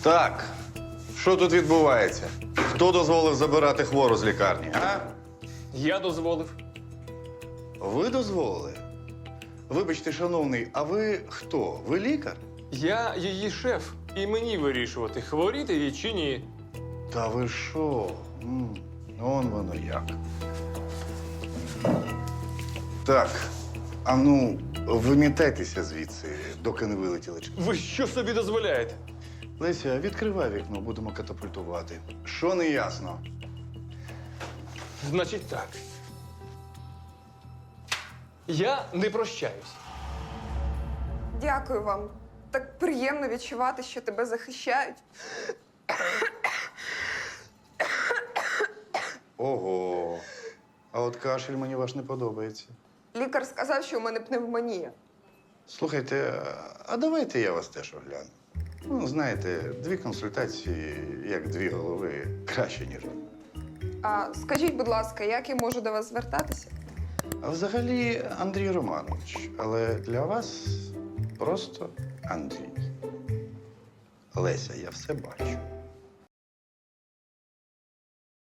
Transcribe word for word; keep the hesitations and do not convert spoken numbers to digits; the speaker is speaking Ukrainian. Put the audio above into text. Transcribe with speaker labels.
Speaker 1: Так, що тут відбувається? Хто дозволив забирати хвору з лікарні, а?
Speaker 2: Я дозволив.
Speaker 1: Ви дозволили? Вибачте, шановний, а ви хто? Ви лікар?
Speaker 2: Я її шеф, і мені вирішувати, хворіти їй чи ні.
Speaker 1: Та ви що? М, Он воно як. Так, а ну, вимітайтеся звідси, доки не вилетіли.
Speaker 2: Ви що собі дозволяєте?
Speaker 1: Леся, відкривай вікно, будемо катапультувати. Що не ясно?
Speaker 2: Значить так. Я не прощаюсь.
Speaker 3: Дякую вам. Так приємно відчувати, що тебе захищають.
Speaker 1: Ого. А от кашель мені ваш не подобається.
Speaker 3: Лікар сказав, що у мене пневмонія.
Speaker 1: Слухайте, а давайте я вас теж огляну. Ну, знаєте, дві консультації, як дві голови, краще, ніж одна.
Speaker 3: А скажіть, будь ласка, як я можу до вас звертатися?
Speaker 1: А взагалі Андрій Романович, але для вас просто Андрій. Леся, я все бачу.